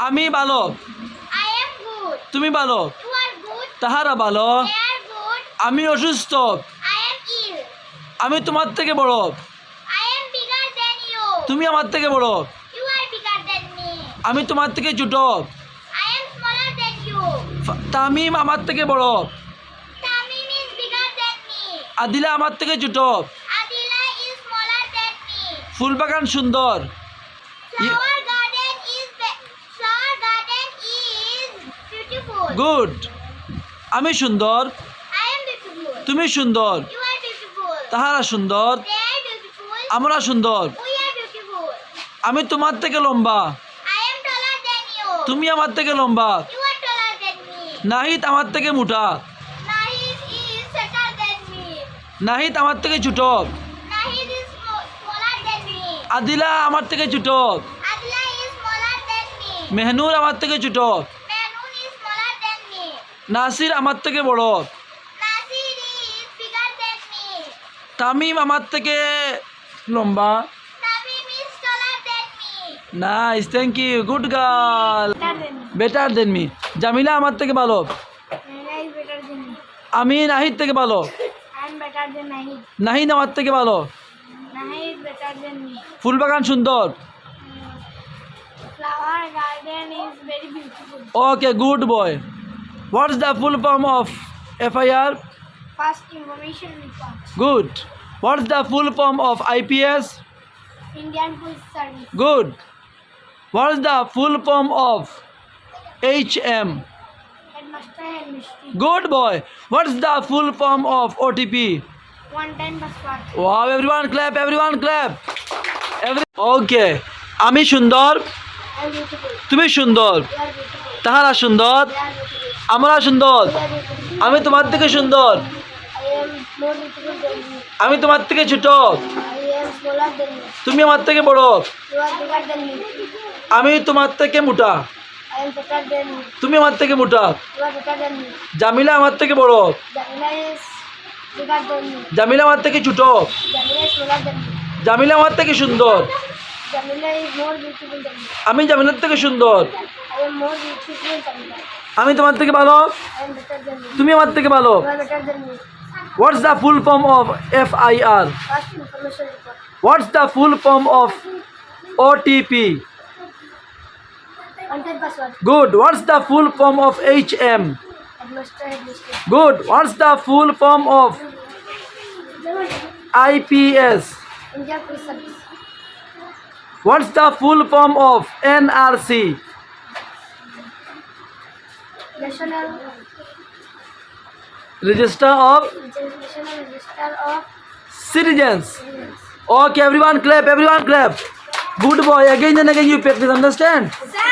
আমি ভালো। I am good. তুমি ভালো। You are good. তাহারা ভালো। They are good. আমি অসুস্থ। I am ill. আমি তোমার থেকে বড়। I am bigger than you. তুমি আমার থেকে বড়। You are bigger than me. আমি তোমার থেকে ছোট। I am smaller than you. Tamim আমার থেকে বড়। Tamim is bigger than me. Adila আমার থেকে ছোট। Adila is smaller than me. ফুলবাগান সুন্দর। Flower garden is beautiful. Good. আমি সুন্দর। I am beautiful. তুমি সুন্দর। You are beautiful. তাহারা সুন্দর। They are beautiful. আমরা সুন্দর। We are beautiful. আমি তোমার থেকে লম্বা। I am taller than you. তুমি আমার থেকে লম্বা। You are taller than me. Nahid আমার থেকে মোটা। Nahid is fatter than me. Nahid আমার থেকে ছোট। Nahid is smaller than me. Adila আমার থেকে ছোট। Adila is smaller than me. Mehnur আমার থেকে ছোট। Mehnoon is smaller than me. Nasir আমার থেকে বড়। Nasir is bigger than me. Tamim আমার থেকে লম্বা। Tamim is taller than me. Nice, thank you, good girl. Better than me. Jamila আমার থেকে ভালো। Naina is better than me. আমি নাহিদ থেকে ভালো। I am better than Nahid. Nahid আমার থেকে ভালো। Nahid is better than me. ফুলবাগান সুন্দর। Flower garden is very beautiful. Okay, good boy. What's the full form of FIR? First information report. Good. What's the full form of IPS? Indian Police Service. Good. What's the full form of HM? Headmaster Headmistress. Good boy. What's the full form of OTP? One time password. Wow, everyone clap, everyone clap. Okay. আমি সুন্দর। I am beautiful. তুমি সুন্দর। You are beautiful. তাহারা সুন্দর। They are beautiful. আমরা সুন্দর। You are beautiful. আমি তোমার থেকে সুন্দর। I am more beautiful than you. আমি তোমার থেকে ছোট। I am smaller than you. তুমি আমার থেকে বড়। You are bigger than me. আমি তোমার থেকে মোটা। I am better than you. তুমি আমার থেকে মোটা। You are better than me. Jamila আমার থেকে বড়। Jamila is bigger than me. Jamila আমার থেকে ছোট। Jamila is smaller than me. Jamila আমার থেকে সুন্দর। Jamila is more beautiful than me. আমি জামিলার থেকে সুন্দর। I am more beautiful than Jamila. আমি তোমার থেকে ভালো। I am better than you. তুমি আমার থেকে ভালো। You are better than me. What's the full form of FIR? First information report. What's the full form of OTP? One time password. Good. What's the full form of HM? Headmaster Headmistress. Good. What's the full form of IPS? Indian Police Service. What's the full form of NRC? National Register of National Register of Citizens. Citizens. Okay, everyone clap, everyone clap. Good boy. Again and again you practice, understand? Sir.